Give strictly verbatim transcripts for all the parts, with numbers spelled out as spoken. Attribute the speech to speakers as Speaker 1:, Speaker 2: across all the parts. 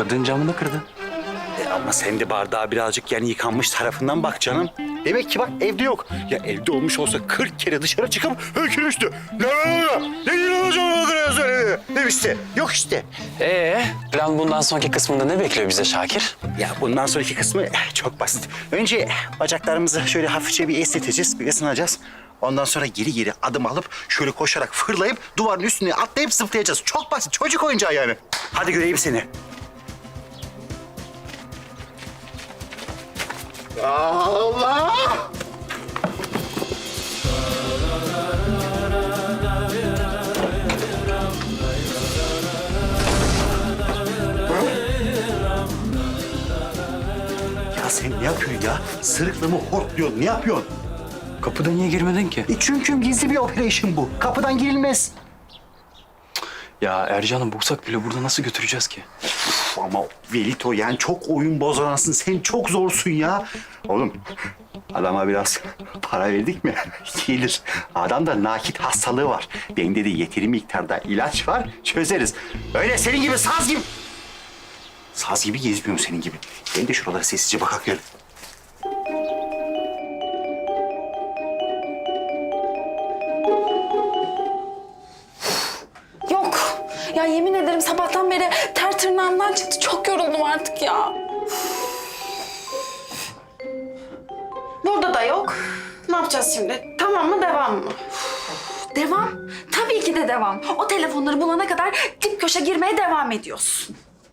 Speaker 1: kırdığın camını kırdın.
Speaker 2: E ama sen de bardağa birazcık yani yıkanmış tarafından bak canım. Demek ki bak evde yok. Ya evde olmuş olsa kırk kere dışarı çıkıp hökürmüştü. Ne ne ne ne ne ne demişti. Yok işte.
Speaker 1: Ee, plan bundan sonraki kısmında ne bekliyor bize Şakir?
Speaker 2: Ya bundan sonraki kısmı eh, çok basit. Önce bacaklarımızı şöyle hafifçe bir esneteceğiz, bir ısınacağız. Ondan sonra geri geri adım alıp şöyle koşarak fırlayıp duvarın üstüne atlayıp zıplayacağız. Çok basit, çocuk oyuncağı yani. Hadi göreyim seni. Allah! Ya sen ne yapıyorsun ya? Sırıkla mı hortluyorsun? Ne yapıyorsun?
Speaker 1: Kapıda niye girmedin ki?
Speaker 2: E çünkü gizli bir operasyon bu. Kapıdan girilmez.
Speaker 1: Ya Ercan'ı bulsak bile burada nasıl götüreceğiz ki?
Speaker 2: Uf, ama Velito yani çok oyun bozansın. Sen çok zorsun ya. Oğlum adama biraz para verdik mi gelir. Adam da nakit hastalığı var. Bende de yeteri miktarda ilaç var. Çözeriz. Öyle senin gibi saz gibi. Saz gibi gezmiyorum senin gibi. Ben de şuralara sessizce bakak gel.
Speaker 3: Yok. Ya yemin ederim sabahtan beri ter tırnağımdan çıktı. Çok yoruldum artık ya. Burada da yok. Ne yapacağız şimdi? Tamam mı, devam mı?
Speaker 4: Devam. Tabii ki de devam. O telefonları bulana kadar dip köşe girmeye devam ediyoruz.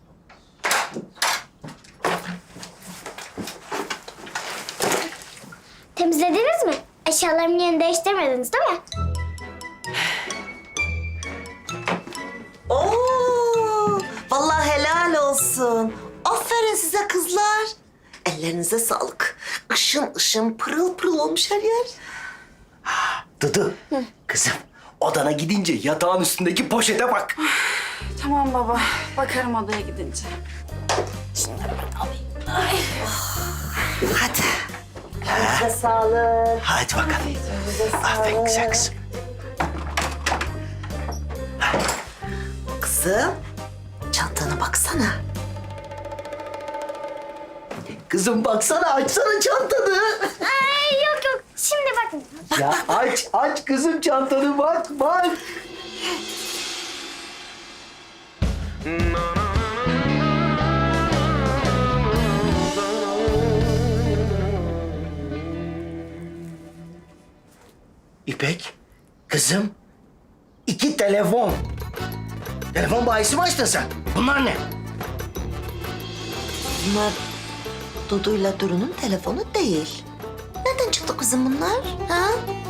Speaker 5: Temizlediniz mi? Eşyalarımın yerini değiştirmediniz değil mi?
Speaker 6: Oo, vallahi helal olsun. Aferin size kızlar. Ellerinize sağlık. Işın ışın pırıl pırıl olmuş her yer.
Speaker 7: Dudu, kızım odana gidince yatağın üstündeki poşete bak.
Speaker 4: Tamam baba. Bakarım odaya gidince.
Speaker 6: Hadi. Elinize sağlık.
Speaker 7: Hadi bakalım. Aferin güzel kızım.
Speaker 6: Kızım, çantana baksana.
Speaker 7: Kızım baksana, açsana çantanı.
Speaker 5: Ay yok yok. Şimdi bakın.
Speaker 7: Ya aç, aç kızım çantanı, bak, bak. İpek, kızım, iki telefon. Telefon bayisi mi açtın sen? Bunlar ne?
Speaker 6: Bunlar Dudu'yla Duru'nun telefonu değil. Nereden çıktı kızım bunlar? Ha?